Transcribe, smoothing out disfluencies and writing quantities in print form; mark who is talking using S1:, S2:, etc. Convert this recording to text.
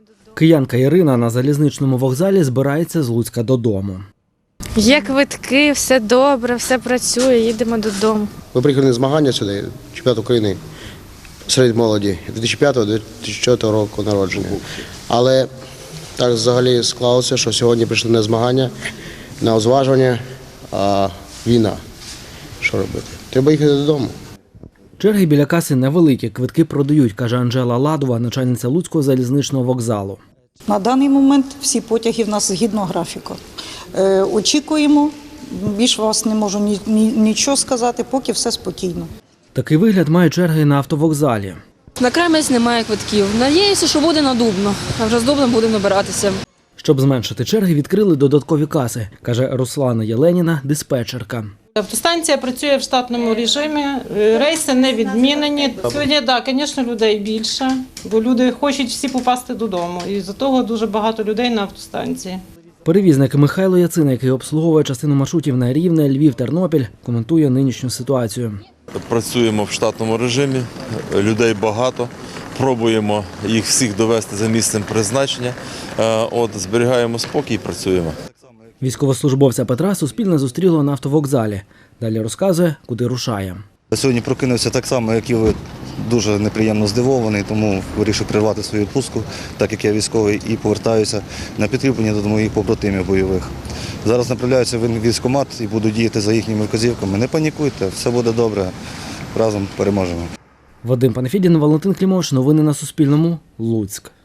S1: Киянка Ірина на залізничному вокзалі збирається з Луцька додому.
S2: Є квитки, все добре, все працює, їдемо додому.
S3: Ми приїхали на змагання сюди, чемпіонат України серед молоді 2005-2004 року народження. Але так взагалі склалося, що сьогодні прийшли на змагання, на озважування, а війна. Що робити? Треба їхати додому.
S1: Черги біля каси невеликі, квитки продають, каже Анжела Ладова, начальниця Луцького залізничного вокзалу.
S4: На даний момент всі потяги в нас згідно графіку. Очікуємо, більш вас не можу нічого сказати, поки все спокійно.
S1: Такий вигляд мають черги на автовокзалі.
S5: На Кремець немає квитків. Надіюся, що буде на Дубно, а вже з Дубном будемо набиратися.
S1: Щоб зменшити черги, відкрили додаткові каси, каже Руслана Єленіна, диспетчерка.
S6: Автостанція працює в штатному режимі, рейси не відмінені. Сьогодні, так, звісно, людей більше, бо люди хочуть всі попасти додому. І з-за того дуже багато людей на автостанції.
S1: Перевізник Михайло Яцина, який обслуговує частину маршрутів на Рівне, Львів, Тернопіль, коментує нинішню ситуацію.
S7: Працюємо в штатному режимі, людей багато, пробуємо їх всіх довести за місцем призначення, зберігаємо спокій і працюємо.
S1: Військовослужбовця Петра Суспільне зустріло на автовокзалі. Далі розказує, куди рушає.
S8: Сьогодні прокинувся так само, як і ви, дуже неприємно здивований, тому вирішив перервати свою відпустку, так як я військовий, і повертаюся на підкріплення до моїх побратимів бойових. Зараз направляюся в військкомат і буду діяти за їхніми вказівками. Не панікуйте, все буде добре, разом переможемо.
S1: Вадим Панафідін, Валентин Клімович. Новини на Суспільному. Луцьк.